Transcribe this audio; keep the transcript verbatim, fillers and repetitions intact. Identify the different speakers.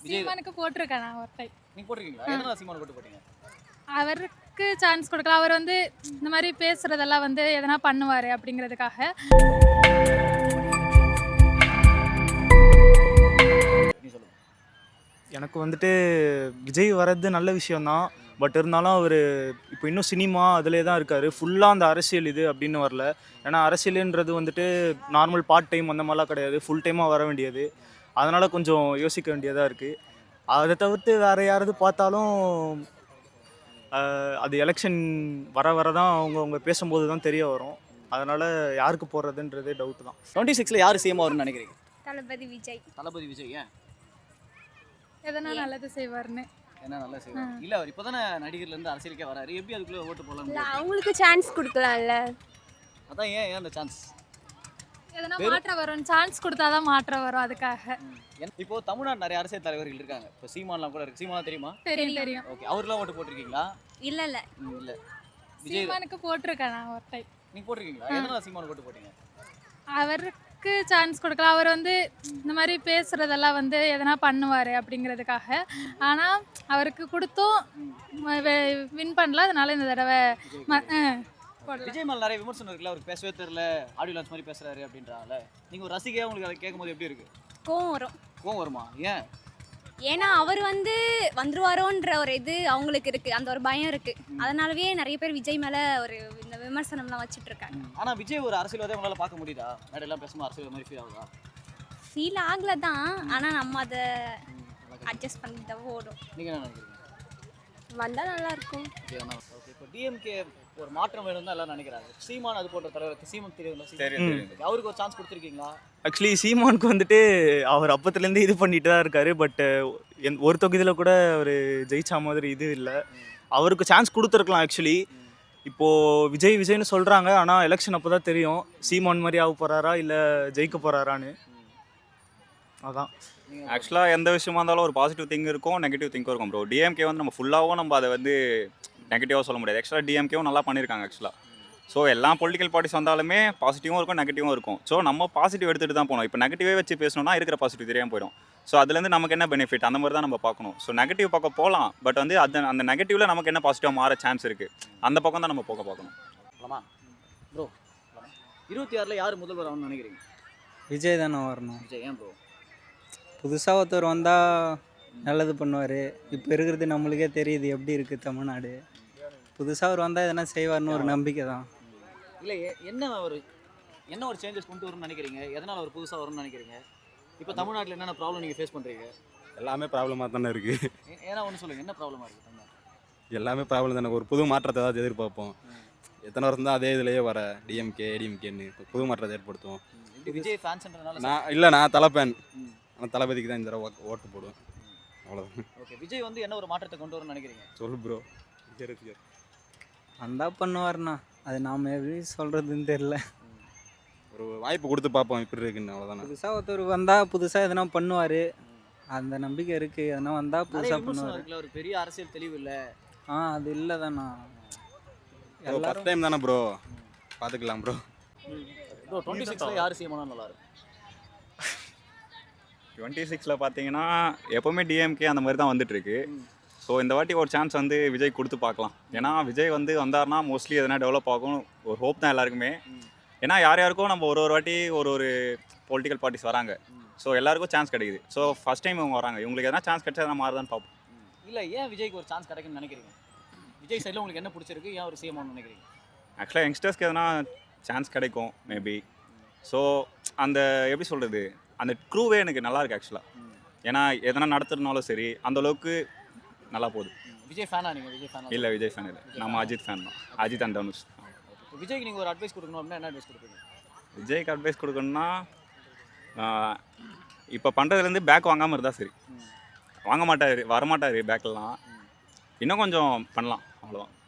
Speaker 1: சீமானுக்கு போட்டிருக்கேன் நான் ஒரு டைம்.
Speaker 2: நீங்க போட்டிருக்கீங்களா? எதனால சீமானுக்கு போட்டு போட்டீங்க?
Speaker 1: அவருக்கு சான்ஸ் கொடுக்கலாம். அவர் வந்து இந்த மாதிரி பேசுறதெல்லாம் வந்து எதனா பண்ணுவார் அப்படிங்கிறதுக்காக.
Speaker 2: நீ சொல்லுங்க.
Speaker 3: எனக்கு வந்துட்டு விஜய் வர்றது நல்ல விஷயம்தான். பட் இருந்தாலும் அவர் இப்போ இன்னும் சினிமா அதிலே தான் இருக்கார். ஃபுல்லாக அந்த அரசியல் இது அப்படின்னு வரல. ஏன்னா அரசியலுன்றது வந்துட்டு நார்மல் பார்ட் டைம் அந்த மாதிரிலாம் கிடையாது, ஃபுல் டைமாக வர வேண்டியது. அதனால் கொஞ்சம் யோசிக்க வேண்டியதாக இருக்குது. அதை தவிர்த்து வேறு யாராவது பார்த்தாலும் ஆஹ், அது எலெக்ஷன் வர வர தான் அவங்க அவங்க பேசும்போது தான் தெரிய வரும். அதனால் யாருக்கு போடுறதுன்றதே டவுட் தான்.
Speaker 2: டுவெண்ட்டி சிக்ஸ்ல யார் சிஎம் வரும்னு நினைக்கிறீங்க?
Speaker 4: தளபதி விஜய்.
Speaker 2: தளபதி விஜய். ஏன்
Speaker 1: எதனா நல்லது செய்வார்னு.
Speaker 2: என்ன நல்லா செய்வார்? இல்ல அவர் இப்போதானே நடிகர்ல இருந்து அரசியலுக்கே வராரு. எப்படி அதுக்குள்ள ஓட்டு போடலாம்?
Speaker 4: இல்ல அவங்களுக்கு சான்ஸ் கொடுக்கலாம்ல.
Speaker 2: அதான் ஏன் ஏன் அந்த சான்ஸ்?
Speaker 1: எதனா மாற்றம் வரும், சான்ஸ் கொடுத்தாதான் மாற்றம் வரும். அதுக்காக.
Speaker 2: இப்போ தமிழ்நாடு நிறைய அரசியல் தலைவர்கள் இருக்காங்க. இப்போ சீமான்லாம் கூட இருக்கு. சீமான் தெரியுமா?
Speaker 1: தெரியும் தெரியும்.
Speaker 2: ஓகே, அவர்லாம் ஓட்டு போட்டிருக்கீங்களா?
Speaker 4: இல்ல இல்ல
Speaker 2: ம், இல்ல. விஜய்
Speaker 1: சீமானுக்கு போட்டிருக்கேன் நான் ஒரு டைம்.
Speaker 2: நீங்க போட்டிருக்கீங்களா? எதனால சீமானுக்கு ஓட்டு போட்டீங்க?
Speaker 1: அவருக்கு சான்ஸ் கொடுக்கலாம். அவர் வந்து இந்த மாதிரி பேசுறதெல்லாம் வந்து எதனா பண்ணுவார் அப்படிங்கிறதுக்காக. ஆனால் அவருக்கு கொடுத்தும் வின் பண்ணல. அதனால இந்த தடவை ம- ஆ, போடலாம்.
Speaker 2: விஜய் மேல நிறைய விமர்சனம் இருக்குல்ல, அவருக்கு பேசவே தெரியல, ஆடியோ லான்ச் மாதிரி பேசுறாரு அப்படின்றாங்கல்ல. நீங்க ஒரு ரசிகையா உங்களுக்கு அதை கேட்கும்போது எப்படி இருக்கு?
Speaker 4: கோவம் வரும்.
Speaker 2: கோவம் வருமா? ஏன்?
Speaker 4: ஏன்னா அவர் வந்து வந்துருவாரோன்ற ஒரு இது அவங்களுக்கு இருக்கு, அந்த ஒரு பயம் இருக்கு. அதனாலவே நிறைய பேர் விஜய் மேல ஒரு இந்த விமர்சனம்லாம் வச்சுட்டு இருக்காங்க.
Speaker 2: ஆனா விஜய் ஒரு அரசியல்வாதியை உங்களால பார்க்க முடியுதா? மேடையெல்லாம் பேசும்போது அரசியல் மாதிரி ஃபீல் ஆகுதா?
Speaker 4: ஃபீல் ஆகல தான், ஆனா நம்ம அதை அட்ஜஸ்ட் பண்ணி தான் ஓடும்.
Speaker 2: நீங்க என்ன நினைக்கிறீங்க?
Speaker 4: வந்தா நல்லா இருக்கும்.
Speaker 2: ஓகே, இப்போ டிஎம்கே ஒரு மாற்றம் வேணும் தான் எல்லாரும் நினைக்கிறாங்க. சீமான் அது போன்ற தலைவருக்கு சீமான் தெரியுங்களா?
Speaker 3: தெரியும்,
Speaker 2: சீமான். அவருக்கு ஒரு சான்ஸ் கொடுத்துருக்கீங்களா?
Speaker 3: ஆக்சுவலி சீமானுக்கு வந்துட்டு அவர் அப்பத்துலேருந்து இது பண்ணிட்டு தான் இருக்காரு. பட் ஒரு தொகுதியில் கூட அவர் ஜெயிச்சா மாதிரி இது இல்லை. அவருக்கு சான்ஸ் கொடுத்துருக்கலாம் ஆக்சுவலி. இப்போது விஜய் விஜய்னு சொல்கிறாங்க, ஆனால் எலெக்ஷன் அப்போ தான் தெரியும் சீமான் மாதிரி ஆக போகிறாரா இல்லை ஜெயிக்க போகிறாரான்னு. அதான்
Speaker 5: ஆக்சுவலாக எந்த விஷயமா இருந்தாலும் ஒரு பாசிட்டிவ் திங்க் இருக்கும், நெகட்டிவ் திங்கும் இருக்கும் ப்ரோ. டிஎம்கே வந்து நம்ம ஃபுல்லாகவும் நம்ம அதை வந்து நெகட்டிவாக சொல்ல முடியாது. ஆக்சுவலாக டிஎம்கேவும் நல்லா பண்ணியிருக்காங்க ஆக்சுவலாக. ஸோ எல்லா பொலிட்டிக்கல் பார்ட்டிஸ் வந்தாலுமே பாசிட்டிவும் இருக்கும், நெகட்டிவும் இருக்கும். ஸோ நம்ம பாசிட்டிவ் எடுத்துகிட்டு தான் போகணும். இப்போ நெகட்டிவே வச்சு பேசணும்னா இருக்கிற பாசிட்டிவ் தெரியாமல் போயிடும். ஸோ அதுலேருந்து நமக்கு என்ன பெனிஃபிட், அந்த மாதிரி தான் நம்ம பார்க்கணும். ஸோ நெகட்டிவ் பக்கம் போகலாம், பட் வந்து அது அந்த நெகட்டிவில் நமக்கு என்ன பாசிட்டிவாக மாற சான்ஸ் இருக்குது, அந்த பக்கம் தான் நம்ம போக பார்க்கணும்.
Speaker 2: ஆமா ப்ரோ, இருபத்தி ஆறில் யார் முதல்வர் ஆகணும்னு நினைக்கிறீங்க?
Speaker 6: விஜய் தானே வரணும்.
Speaker 2: விஜய். ஏன் ப்ரோ?
Speaker 6: புதுசாக ஒருத்தர் வந்தால் நல்லது பண்ணுவார். இப்போ இருக்கிறது நம்மளுக்கே தெரியுது எப்படி இருக்குது தமிழ்நாடு. புதுசாக அவர் வந்தால் எதனா செய்வார்னு ஒரு நம்பிக்கை தான்.
Speaker 2: இல்லை, என்ன ஒரு என்ன ஒரு சேஞ்சஸ் கொண்டு வரும்னு நினைக்கிறீங்க? எதனால் அவர் புதுசாக வரும்னு நினைக்கிறீங்க? இப்போ தமிழ்நாட்டில் என்னென்ன ப்ராப்ளம் நீங்கள் ஃபேஸ் பண்ணுறீங்க?
Speaker 7: எல்லாமே ப்ராப்ளமாக தானே இருக்குது.
Speaker 2: ஏன்னா ஒன்று சொல்லுங்கள், என்ன ப்ராப்ளமாக இருக்குது தமிழ்நாட்டில்?
Speaker 7: எல்லாமே ப்ராப்ளம் தானே. ஒரு புது மாற்றத்தை ஏதாவது எதிர்பார்ப்போம். எத்தனை வருஷம் தான் அதே இதுலேயே வர டிஎம்கே ஏடிஎம்கேன்னு இப்போ புது மாற்றத்தை ஏற்படுத்துவோம்.
Speaker 2: இது விஜய் ஃபேன்ஸ்ன்றதுனால
Speaker 7: நான் இல்லை, நான் தலை ஃபேன். ஆனால் தளபதிக்கு தான் இந்த தடவை ஓ- ஓட்டு போடுவேன். அவ்வளோதான்.
Speaker 2: ஓகே, விஜய் வந்து என்ன ஒரு மாற்றத்தை கொண்டு வரும்னு நினைக்கிறீங்க?
Speaker 7: சொல்லு ப்ரோ.
Speaker 6: வந்தால் பண்ணுவார்ண்ணா, அது நாம் எப்படி சொல்கிறதுன்னு தெரில.
Speaker 7: ஒரு வாய்ப்பு கொடுத்து பார்ப்போம் இப்படி இருக்குன்னு, அவ்வளோதானே.
Speaker 6: புதுசாக ஒருத்தர் வந்தால் புதுசாக எதனா பண்ணுவார், அந்த நம்பிக்கை இருக்குது. எதனா வந்தால்
Speaker 2: நிறைய
Speaker 6: புதுசாக
Speaker 2: விமர்சனம்
Speaker 6: பண்ணுவார்.
Speaker 2: இருக்குல்ல, ஒரு பெரிய அரசியல் தெளிவு இல்லை.
Speaker 6: ஆ அது இல்லை தானா.
Speaker 7: ஃபஸ்ட்
Speaker 6: எல்லாரும்
Speaker 7: டைம் தானே ப்ரோ, பார்த்துக்கலாம் ப்ரோ.
Speaker 2: ப்ரோ, டுவெண்ட்டி சிக்ஸில் யார் சீமானா நல்லா இருக்கும்?
Speaker 5: டுவெண்ட்டி சிக்ஸில் பார்த்தீங்கன்னா எப்போவுமே டிஎம்கே அந்த மாதிரி தான் வந்துட்டுருக்கு. ஸோ இந்த வாட்டி ஒரு சான்ஸ் வந்து விஜய் கொடுத்து பார்க்கலாம். ஏன்னா விஜய் வந்து வந்தார்னா மோஸ்ட்லி எதனா டெவலப் ஆகும் ஒரு ஹோப் தான் எல்லாருக்குமே. ஏன்னா யார் யாருக்கும் நம்ம ஒரு ஒரு வாட்டி ஒரு ஒரு பொலிட்டிக்கல் பார்ட்டிஸ் வராங்க. ஸோ எல்லாருக்கும் சான்ஸ் கிடைக்குது. ஸோ ஃபஸ்ட் டைம் இவங்க வராங்க, இவங்களுக்கு எதனா சான்ஸ் கிடைச்சா எதனா மாறுதான்னு பார்ப்போம்.
Speaker 2: இல்லை, ஏன் விஜய்க்கு ஒரு சான்ஸ் கிடைக்கும்னு நினைக்கிறீங்க? விஜய் சைடில் உங்களுக்கு என்ன பிடிச்சிருக்கு, ஏன் ஒரு சீமான்னு நினைக்கிறீங்க?
Speaker 5: ஆக்சுவலாக யங்ஸ்டர்ஸ்க்கு எதனா சான்ஸ் கிடைக்கும் மேபி. ஸோ அந்த எப்படி சொல்கிறது, அந்த க்ரூவே எனக்கு நல்லா இருக்குது ஆக்சுவலாக. ஏன்னா எதனா நடத்துறதுனாலும் சரி அந்தளவுக்கு நல்லா போகுது.
Speaker 2: விஜய் ஃபேனா நீங்கள்? விஜய் ஃபேனா?
Speaker 5: இல்லை, விஜய் ஃபேன் இல்லை, நம்ம அஜித் ஃபேன் தான். அஜித் அண்ட் தனுஷ்.
Speaker 2: விஜய்க்கு நீங்கள் ஒரு அட்வைஸ் கொடுக்கணும் அப்படின்னா என்ன அட்வைஸ் கொடுப்பீங்க?
Speaker 5: விஜய்க்கு அட்வைஸ் கொடுக்கணும்னா இப்போ பண்ணுறதுலேருந்து பேக் வாங்காமல் இருந்தால் சரி. வாங்க மாட்டார், வரமாட்டார் பேக்கெல்லாம். இன்னும் கொஞ்சம் பண்ணலாம், அவ்வளோதான்.